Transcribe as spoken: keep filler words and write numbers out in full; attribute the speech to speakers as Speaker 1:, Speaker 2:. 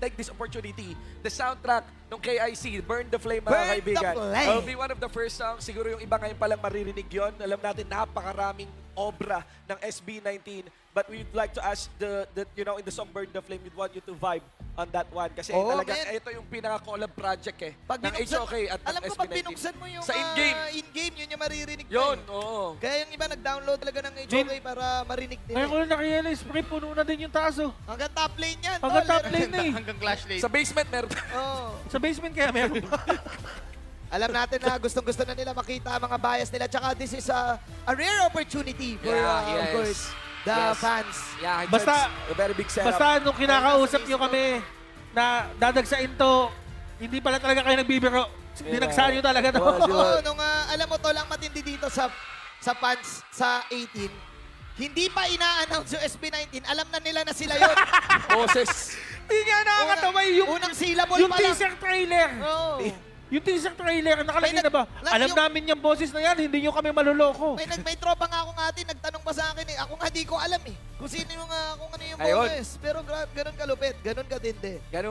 Speaker 1: take this opportunity. The soundtrack ng K I C, Burn the Flame, mga
Speaker 2: Burn the
Speaker 1: kaibigan.
Speaker 2: Flame.
Speaker 1: Will be one of the first songs. Siguro yung iba ngayon palang maririnig yon. Alam natin, napakaraming obra ng S B nineteen. But we'd like to ask the, the you know, in the song Burn the Flame, we'd want you to vibe on that one. Kasi
Speaker 2: Oo,
Speaker 1: talagang
Speaker 2: man.
Speaker 1: ito yung pinaka-collab project eh.
Speaker 2: Pag
Speaker 1: ng H
Speaker 2: binuksan,
Speaker 1: O K at ng
Speaker 2: alam ko
Speaker 1: S B
Speaker 2: pag
Speaker 1: nineteen.
Speaker 2: binuksan mo yung
Speaker 1: Sa in-game.
Speaker 2: ah, in-game, yun yung maririnig mo.
Speaker 1: Yun,
Speaker 2: eh.
Speaker 1: oo.
Speaker 2: Kaya yung iba nag-download talaga ng H O K para marinig nila.
Speaker 3: Ngayon ko lang nakirealize, pre, puno na din yung taas, oh.
Speaker 2: Hanggang top lane yan.
Speaker 3: Hanggang
Speaker 2: tol.
Speaker 3: top lane na eh.
Speaker 4: Hanggang clash lane.
Speaker 1: Sa basement, meron.
Speaker 2: Oo.
Speaker 3: Sa basement kaya meron pa.
Speaker 2: Alam natin na gustong-gusto na nila makita ang mga bias nila. Tsaka this is a, a rare opportunity for,
Speaker 1: Yeah,
Speaker 2: uh, of
Speaker 1: yes.
Speaker 2: course, the
Speaker 1: Yes.
Speaker 2: fans.
Speaker 1: Yeah,
Speaker 3: Basta-
Speaker 1: it's a very big setup.
Speaker 3: Basta nung kinakausap nyo kami na dadagsain to, hindi pala talaga kayo nagbibiro. Dinagsahan nyo talaga to.
Speaker 1: Was,
Speaker 2: Oo, nung uh, alam mo to lang matindi dito sa sa fans sa eighteen, hindi pa ina-announce yung S B nineteen, alam na nila na sila yun.
Speaker 1: Boses.
Speaker 3: Hindi nga nakakatawa
Speaker 2: Unang-
Speaker 3: yung,
Speaker 2: unang syllable
Speaker 3: yung
Speaker 2: pa lang.
Speaker 3: teaser trailer.
Speaker 2: Oo.
Speaker 3: Yung teaser trailer, nakalagay
Speaker 2: May
Speaker 3: na ba?
Speaker 2: nag-
Speaker 3: Alam
Speaker 2: yung-
Speaker 3: namin yung boses na yan, hindi nyo kami maluloko.
Speaker 2: May, nag, may tropa nga ako nga atin, nagtanong pa sa akin eh. Ako nga di ko alam eh. Kung sino yung, uh, kung ano yung
Speaker 1: Ayun.
Speaker 2: boses. Pero gra- ganun kalupit, ganun katindi.
Speaker 1: Ganun